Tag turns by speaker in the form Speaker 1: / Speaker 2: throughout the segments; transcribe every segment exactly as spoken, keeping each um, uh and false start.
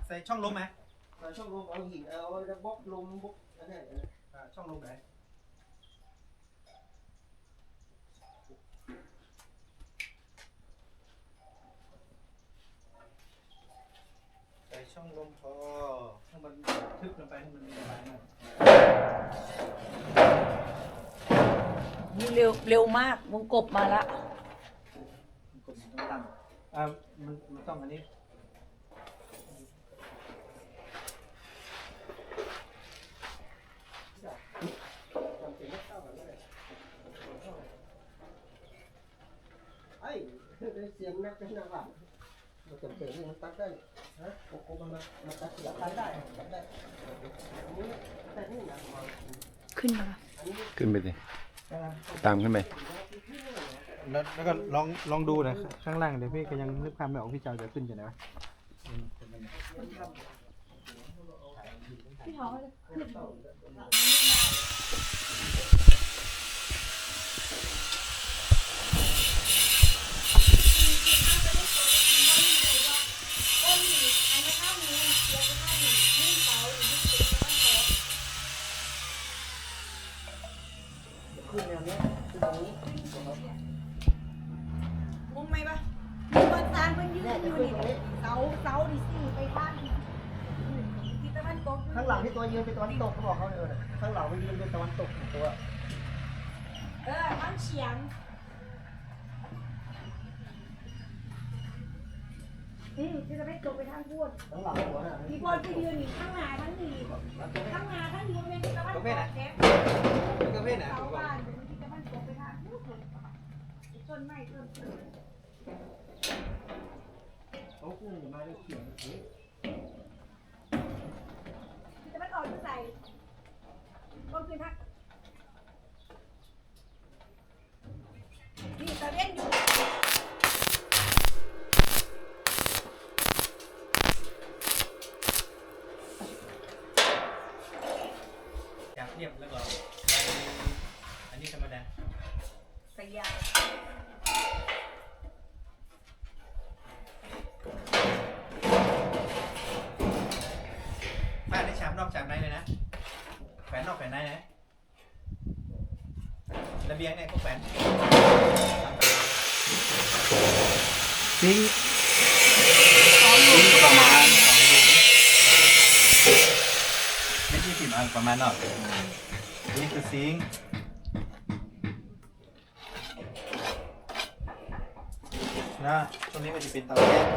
Speaker 1: ใส่ช่องลมไหม
Speaker 2: ช่องลมเอาหินเอาบล็อกลมบล็อกอะไร
Speaker 1: ช่องลมไหนใส่ช่องลมพอให้มันทึบลงไปให้มันมีระบายหน่อย
Speaker 3: นี่เร็วเร็วมากวงกบมาละ
Speaker 1: กดมันต้องตั้งอ่ามันมันต้องอันนี้
Speaker 2: ไอ้เสียงนักเป็นนักหลับมันจำเป็นที่มันตัดได้ฮะโอ้โหมันมันตัดตัดได้ตัดได้แต่นี่นะ
Speaker 3: ขึ้นมา
Speaker 4: ขึ้นไปสิตามขึ้นไป
Speaker 1: แล้วแล้วก็ลองลองดูนะข้างล่างเดี๋ยวพี่ก็ยังนึกภาพไม่ออกพี่เจ้าจะขึ้นจะไหนวะ
Speaker 3: พี่ท้องจะขึ้น
Speaker 2: ขึ้นแนวนี้ขึ้นตรงนี้
Speaker 3: มุมไหมปะบนซานเพิ่นยืนอยู่นี่เสาเสาดิสี่ไปข้างที่ตะวันตก
Speaker 2: ข้างหลังที่ตัวยืนเป็นตะวันตกเขาบอกเขาเออข้างหลังมันยืนเป็นตะวันตกตัว
Speaker 3: เออทั้งเฉียงนี่ที่ตะวันตกไปทางพูด
Speaker 2: ข้างหลังหัวน่ะ
Speaker 3: มีคนไปยืนอยู่ข้างหน้าทั้งนี้ข้างหน้าทั้งนี้เป็นตะวันตกแท้
Speaker 1: ก็เพศไหน
Speaker 3: เสาบ้านที่ตะวันตกไปทางพูดต้นไม้ต้น
Speaker 2: เขาขึ้นมาได้เขียนที่
Speaker 3: ตะวันออกจะใส่ก็คือทักนี่ตะเวนอยู่
Speaker 1: จากเทียบแล้วก็อันนี้ธรรมดา
Speaker 3: สยาม
Speaker 1: บ้านได้ชามนอกชามในเลยนะแขวนนอกแขวนในนะระเบียงเนี่ยก็แขวนซิงซิงประมาณสองลูกไม่ใช่สิบอันประมาณนอกนี่คือซิงนะตรงนี้มันจะเป็นเตาแก๊ส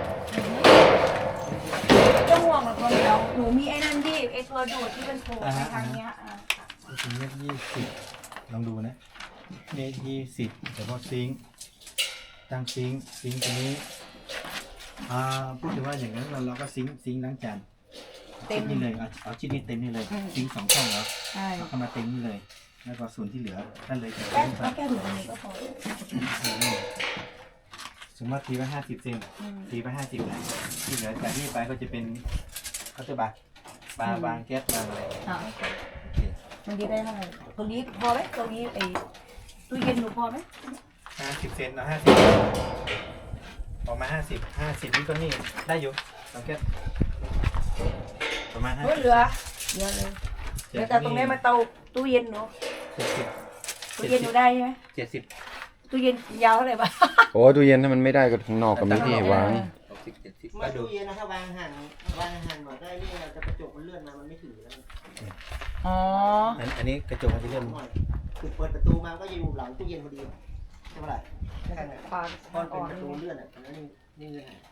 Speaker 3: จะห่วงหรอกคนเดียวหนูมีไอ้นั่นที่ไอ้ตัวดูดที่เป็นโผล่ไปทางเนี้ยอ่ะ
Speaker 1: ถึงเมตรยี่สิบลองดูนะเมตรยี่สิบแต่พอซิงตั้งซิงซิงตรงนี้อ่าพูดถึงว่าอย่างนั้นเราเราก็ซิงซิงล้างจานเต็มนี่เลยเอาเอาชิ้นนี้เต็มนี่เลยซิงสองช่องแล้วเอาเข้ามาเต็มนี่เลยแล้วก็ส่วนที่เหลือนั่นเลยจะ
Speaker 3: แก้
Speaker 1: เต็มครับ
Speaker 3: แก้หนูอันนี้ก็พอ
Speaker 1: สมมติตีไปห้าสิบเซนตีไปห้าสิบนะที่เหลือจากนี้ไปก็จะเป็นเขาจะบาปลาบางแก๊สบางอะไร
Speaker 3: อ่าโอเคมันดีได้เท่าไหร่ตรงนี้พอไหมตรงนี้ไอ้ตู้เย็นหนูพอไหม
Speaker 1: ห้าสิบเซนเอาห้าสิบออกมาห้าสิบห้าสิบนี่ก็นี่ได้อยู่บางแก๊สประมาณห้า
Speaker 3: เหลือเยอะเลยเดี๋ยวแต่ตรงนี้มาเตาตู้เย็นหนู
Speaker 1: เจ็ดสิบ
Speaker 3: ตู้เย็นหนูได้ใช่ไหม
Speaker 1: เจ็ดสิบ
Speaker 3: ตู้เย็นยาวเท่าไหร่บ้าง
Speaker 4: โอ้ตู้เย็นถ้ามันไม่ได้ก็ข้างนอกก็มีที่วาง
Speaker 2: มาตู้เย็นนะถ้าวางหันวางหันหมดได้นี่จะกระจกมันเลื่อนมามันไม่ถือแล้ว
Speaker 3: อ๋อ
Speaker 1: อันนี้กระจกมันจะเลื่อน
Speaker 2: คือเปิดประตูมาก็จะอยู่หลังตู้เย็นพอดีใช่ไหมล่ะใช่ไหม
Speaker 3: ปาน
Speaker 2: พอเป็นประตูเลื่อนอ่ะนั่นนี่นี่เลย